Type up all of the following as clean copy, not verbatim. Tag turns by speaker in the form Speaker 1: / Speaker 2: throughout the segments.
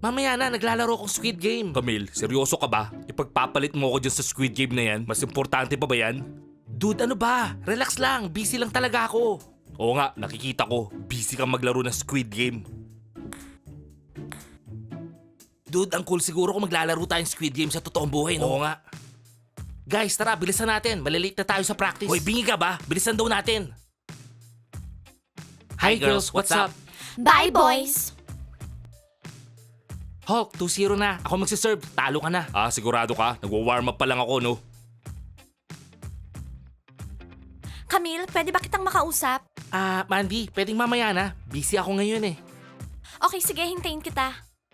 Speaker 1: Mamaya na, naglalaro akong Squid Game. Camille, seryoso ka ba? Ipagpapalit mo ako dyan sa Squid Game na yan? Mas importante pa ba yan? Dude, ano ba? Relax lang, busy lang talaga ako. Oo nga, nakikita ko. Busy kang maglaro ng Squid Game. Dude, ang cool siguro kung maglalaro tayong Squid Game sa totoong buhay, no? Oo nga. Guys, tara, bilisan natin. Malilate na tayo sa practice. Hoy, bingi ka ba? Bilisan daw natin. Hi girls, what's up?
Speaker 2: Bye, boys!
Speaker 1: Hulk, 2-0 na. Ako magsiserve. Talo ka na. Ah, sigurado ka? Nagwa-warm up pa lang ako, no?
Speaker 2: Camille, pwede ba kitang makausap?
Speaker 1: Ah, Mandy, pwedeng mamaya na. Busy ako ngayon eh.
Speaker 2: Okay, sige, hintayin kita.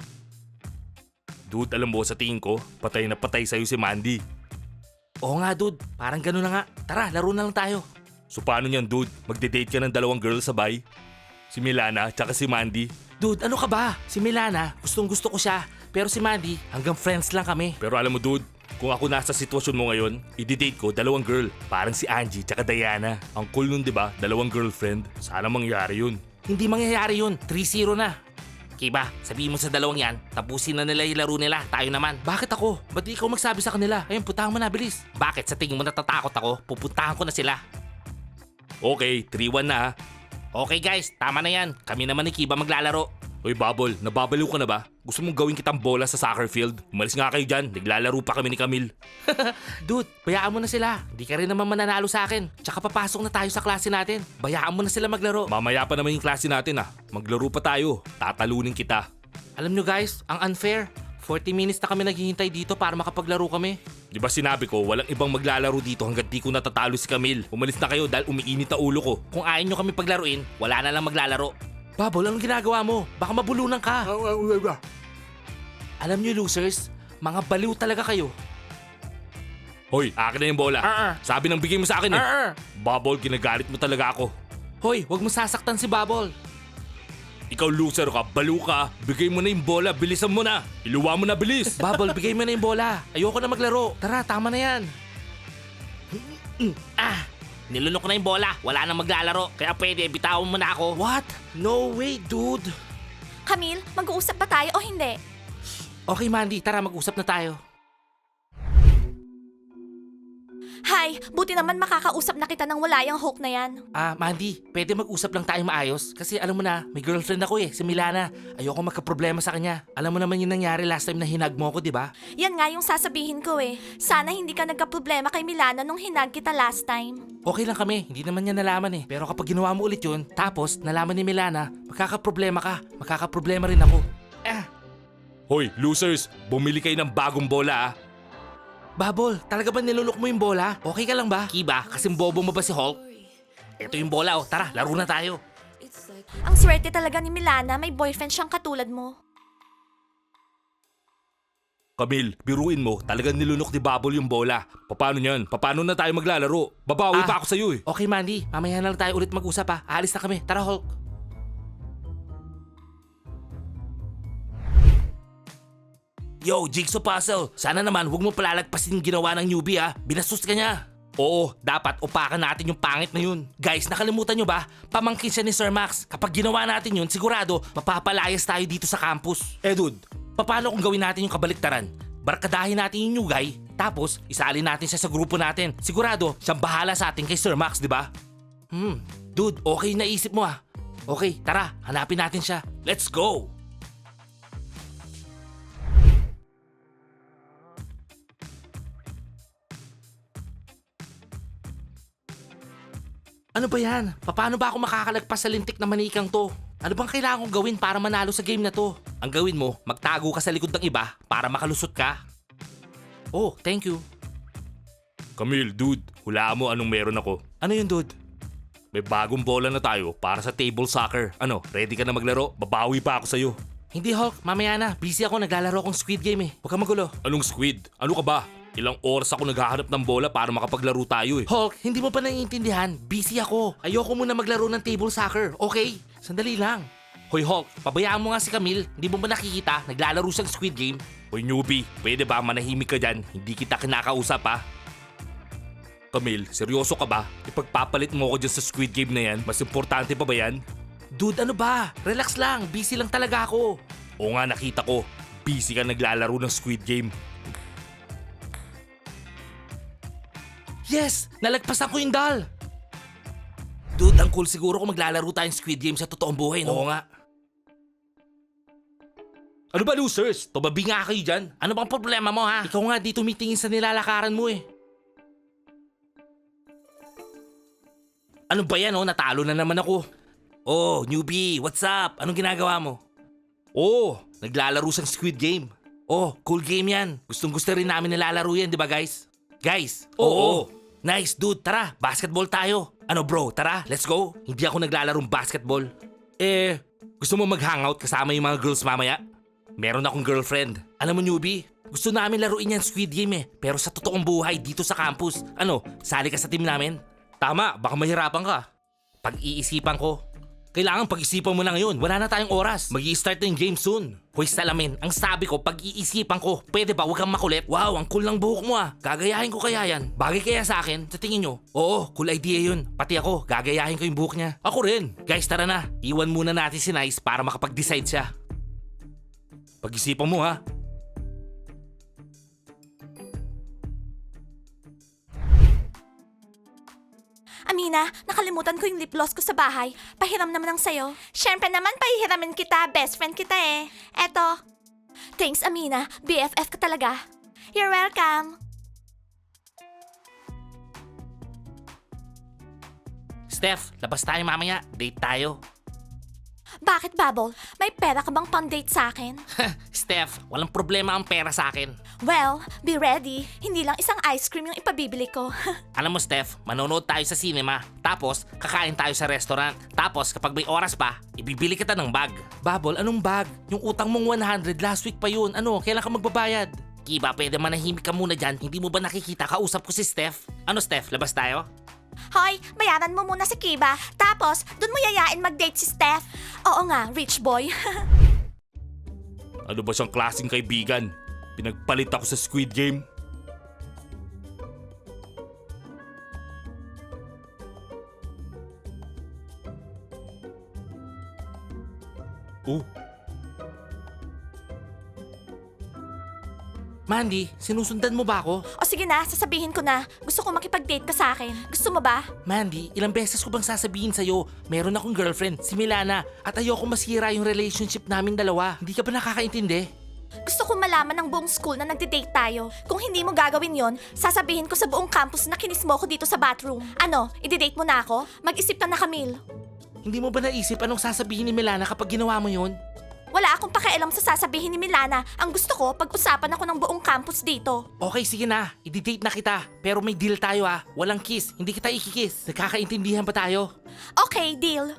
Speaker 1: Dude, alam mo, sa tingin ko, patay na patay sa'yo si Mandy. Oo nga, dude. Parang gano'n na nga. Tara, laro na lang tayo. So paano niyan, dude? Magde-date ka ng dalawang girls sabay? Si Milana, tsaka si Mandy. Dude, ano ka ba? Si Milana, gustong gusto ko siya. Pero si Mandy, hanggang friends lang kami. Pero alam mo, dude, kung ako nasa sitwasyon mo ngayon, i-date ko dalawang girl. Parang si Angie tsaka Diana. Ang cool nun, di ba? Dalawang girlfriend. Sana mangyari yun. Hindi mangyayari yun. 3-0 na. Kiba, sabihin mo sa dalawang yan, tapusin na nila yung laro nila, tayo naman. Bakit ako? Ba't di ikaw magsabi sa kanila? Ayun, puntahan mo na, bilis. Bakit? Sa tingin mo natatakot ako? Pupuntahan ko na sila. Okay, 3-1 na ha. Okay guys, tama na yan. Kami naman ni Kiba maglalaro. Uy Bubble, nababaliw ka na ba? Gusto mong gawin kitang bola sa soccer field? Umalis nga kayo dyan, naglalaro pa kami ni Camille. Dude, bayaan mo na sila. Di ka rin naman mananalo sa akin. Tsaka papasok na tayo sa klase natin. Bayaan mo na sila maglaro. Mamaya pa naman yung klase natin ah. Maglaro pa tayo. Tatalunin kita. Alam nyo guys, ang unfair. 40 minutes na kami naghihintay dito para makapaglaro kami. Di ba sinabi ko, walang ibang maglalaro dito hanggat di ko natatalo si Camille. Umalis na kayo dahil umiinit na ulo ko. Kung ayaw nyo kami paglaruin, wala na lang maglalaro. Bubble, anong ginagawa mo? Baka mabulunan ka. Alam nyo losers, mga baliw talaga kayo. Hoy, akin na yung bola. Sabi nang bigay mo sa akin eh. Bubble, ginagalit mo talaga ako. Hoy, wag mo sasaktan si Bubble. Ikaw loser ka, baliw ka. Bigay mo na yung bola, bilisan mo na. Iluwa mo na, bilis. Bubble, bigay mo na yung bola. Ayoko na maglaro. Tara, tama na yan. Nilunok na yung bola. Wala nang maglalaro. Kaya pwede, bitawan mo na ako. What? No way, dude.
Speaker 2: Camille, mag-uusap ba tayo o hindi?
Speaker 1: Okay, Mandy, tara mag-usap na tayo.
Speaker 2: Hi, buti naman makakausap na kita ng wala yung Hulk na yan.
Speaker 1: Ah, Mandy, pwede mag-usap lang tayo maayos? Kasi alam mo na, may girlfriend ako si Milana. Ayoko magka-problema sa kanya. Alam mo naman yung nangyari last time na hinag mo ko, di ba?
Speaker 2: Yan nga yung sasabihin ko eh. Sana hindi ka nagka-problema kay Milana nung hinag kita last time.
Speaker 1: Okay lang kami, hindi naman niya nalaman eh. Pero kapag ginawa mo ulit yun, tapos nalaman ni Milana, magkakaproblema ka. Magkakaproblema rin ako. Hoy, losers! Bumili kayo ng bagong bola ah. Babol, talaga ba nilunok mo yung bola? Okay ka lang ba? Kiba, kasing bobo mo ba si Hulk? Ito yung bola oh, tara, laro na tayo.
Speaker 2: Ang swerte talaga ni Milana, may boyfriend siyang katulad mo.
Speaker 1: Camille, biruin mo, talagang nilunok ni Bubble yung bola. Paano yan? Paano na tayo maglalaro? Babawi pa ako sa'yo eh. Okay Mandy, mamaya na lang tayo ulit mag-usap ha. Aalis na kami, tara Hulk. Yo, Jigsaw Puzzle, sana naman huwag mo palalagpasin yung ginawa ng newbie ha. Binastos ka niya. Oo, dapat upakan natin yung pangit na yun. Guys, nakalimutan nyo ba? Pamangkin siya ni Sir Max. Kapag ginawa natin yun, sigurado mapapalayas tayo dito sa campus. Dude, paano kung gawin natin yung kabaliktaran? Barkadahin natin yung new guy, tapos isalin natin siya sa grupo natin. Sigurado, siyang bahala sa atin kay Sir Max, di ba? Dude, okay na isip mo ah. Okay, tara, hanapin natin siya. Let's go! Ano ba yan? Paano ba ako makakalagpas sa lintik na manikang to? Ano bang kailangan kong gawin para manalo sa game na to? Ang gawin mo, magtago ka sa likod ng iba para makalusot ka. Oh, thank you. Camille, dude, hulaan mo anong meron ako. Ano yun, dude? May bagong bola na tayo para sa table soccer. Ano, ready ka na maglaro? Babawi pa ako sa'yo. Hindi, Hulk. Mamaya na. Busy ako. Naglalaro akong Squid Game eh. Huwag kang magulo. Anong Squid? Ano ka ba? Ilang oras ako naghahanap ng bola para makapaglaro tayo eh. Hulk, hindi mo pa naiintindihan. Busy ako. Ayoko muna maglaro ng table soccer, okay? Sandali lang. Hoy Hulk, pabayaan mo nga si Camille. Hindi mo ba nakikita? Naglalaro siyang Squid Game. Hoy newbie, pwede ba manahimik ka dyan? Hindi kita kinakausap ha. Camille, seryoso ka ba? Ipagpapalit mo ako dyan sa Squid Game na yan? Mas importante pa ba yan? Dude, ano ba? Relax lang. Busy lang talaga ako. Oo nga, nakita ko. Busy ka naglalaro ng Squid Game. Yes! Nalagpasan ko yung doll! Dude, ang cool siguro kung maglalaro tayong Squid Game sa totoong buhay, no? Oo nga. Ano ba, losers? Tumabi nga kayo dyan. Ano bang problema mo, ha? Ikaw nga di tumitingin sa nilalakaran mo, eh. Ano ba yan, oh? Natalo na naman ako. Oh, newbie, what's up? Anong ginagawa mo? Oh, naglalaro sa Squid Game. Oh, cool game yan. Gustong-gusto rin namin nilalaro yan, di ba, guys? Guys, oo. Nice, dude. Tara, basketball tayo. Ano bro, tara, let's go. Hindi ako naglalarong basketball. Gusto mo mag-hangout kasama yung mga girls mamaya? Meron akong girlfriend. Alam mo, newbie, gusto namin laruin yan Squid Game eh. Pero sa totoong buhay, dito sa campus. Ano, sali ka sa team namin? Tama, baka mahirapan ka. Pag-iisipan ko. Kailangan pag-isipan mo na ngayon. Wala na tayong oras. Mag-i-start na yung game soon. Hoy salamin, ang sabi ko, pag-iisipan ko. Pwede ba, huwag kang makulit? Wow, ang cool ng buhok mo ah. Gagayahin ko kaya yan. Bagay kaya sa akin? Sa tingin nyo? Oo, cool idea yun. Pati ako, gagayahin ko yung buhok niya. Ako rin. Guys, tara na. Iwan muna natin si Nice para makapag-decide siya. Pag-isipan mo ha.
Speaker 2: Amina, nakalimutan ko yung lip gloss ko sa bahay. Pahiram naman ang sayo. Siyempre naman, pahihiramin kita. Best friend kita eh. Eto. Thanks, Amina. BFF ka talaga. You're welcome.
Speaker 1: Steph, labas tayo mamaya. Date tayo.
Speaker 2: Bakit, Bubble? May pera ka bang pang-date sa akin?
Speaker 1: Steph, walang problema ang pera sa akin.
Speaker 2: Well, be ready. Hindi lang isang ice cream yung ipabibili ko.
Speaker 1: Alam mo Steph, manonood tayo sa cinema. Tapos, kakain tayo sa restaurant. Tapos, kapag may oras pa, ibibili kita ng bag. Bubble, anong bag? Yung utang mong 100 last week pa yun. Ano, kailan ka magbabayad? Kiba, pwede manahimik ka muna dyan. Hindi mo ba nakikita? Kausap ko si Steph. Ano Steph, labas tayo?
Speaker 2: Hoy, bayaran mo muna si Kiba. Tapos, dun mo yayain mag-date si Steph. Oo nga, rich boy.
Speaker 1: Ano ba siyang klaseng kaibigan? Pinagpalit ako sa Squid Game. Oh. Mandy, sinusundan mo ba ako?
Speaker 2: O sige na, sasabihin ko na. Gusto ko makipag-date ka sa akin. Gusto mo ba?
Speaker 1: Mandy, ilang beses ko bang sasabihin sa'yo, meron akong girlfriend, si Milana, at ayoko masira yung relationship namin dalawa. Hindi ka ba nakakaintindi?
Speaker 2: Gusto ko malaman ng buong school na nagde-date tayo. Kung hindi mo gagawin yon, sasabihin ko sa buong campus na kinis mo ko dito sa bathroom. Ano, ide-date mo na ako? Mag-isip ka na, Camille.
Speaker 1: Hindi mo ba naisip anong sasabihin ni Milana kapag ginawa mo yun?
Speaker 2: Wala akong pakialam sa sasabihin ni Milana. Ang gusto ko, pag-usapan ako ng buong campus dito.
Speaker 1: Okay, sige na. I-date na kita. Pero may deal tayo ah. Walang kiss. Hindi kita ikikiss. Nagkakaintindihan ba tayo?
Speaker 2: Okay, deal.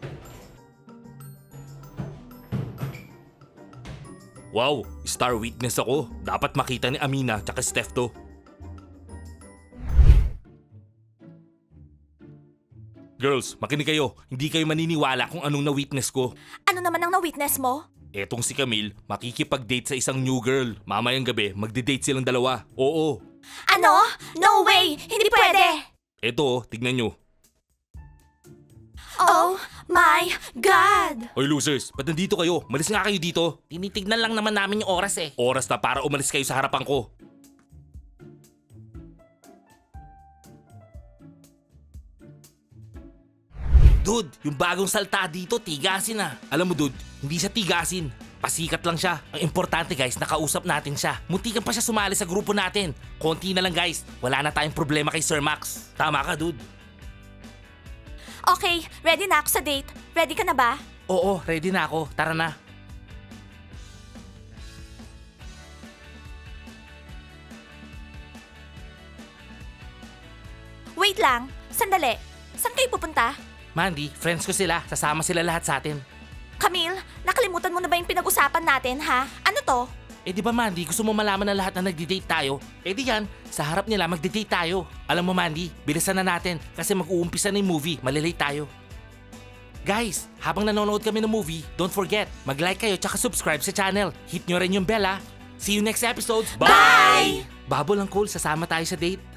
Speaker 1: Wow, star witness ako. Dapat makita ni Amina tsaka Steph to. Girls, makinig kayo. Hindi kayo maniniwala kung anong na-witness ko.
Speaker 2: Ano naman ang na-witness mo?
Speaker 1: Etong si Camille, makikipag-date sa isang new girl. Mamayang gabi, magde-date silang dalawa. Oo.
Speaker 2: Ano? No way! Hindi pwede!
Speaker 1: Eto, tignan nyo.
Speaker 2: Oh my God!
Speaker 1: Oy losers, ba't nandito kayo? Malis nga kayo dito. Tinitignan lang naman namin yung oras eh. Oras na para umalis kayo sa harapan ko. Dude, yung bagong salta dito, tigasin na. Alam mo dude, hindi siya tigasin. Pasikat lang siya. Ang importante guys, nakausap natin siya. Muntikan pa siya sumali sa grupo natin. Konti na lang guys, wala na tayong problema kay Sir Max. Tama ka dude.
Speaker 2: Okay, ready na ako sa date. Ready ka na ba?
Speaker 1: Oo, ready na ako. Tara na.
Speaker 2: Wait lang. Sandali. Saan kayo pupunta?
Speaker 1: Mandy, friends ko sila. Sasama sila lahat sa atin.
Speaker 2: Camille, nakalimutan mo na ba yung pinag-usapan natin, ha? Ano to?
Speaker 1: Eh di ba Mandy, gusto mo malaman na lahat na nagde-date tayo? Eh di yan, sa harap nila magde-date tayo. Alam mo Mandy, bilisan na natin kasi mag-uumpisa na yung movie, malilate tayo. Guys, habang nanonood kami ng movie, don't forget, mag-like kayo tsaka subscribe sa channel. Hit nyo rin yung bell ha. See you next episode.
Speaker 2: Bye!
Speaker 1: Bubble ang cool, sasama tayo sa date.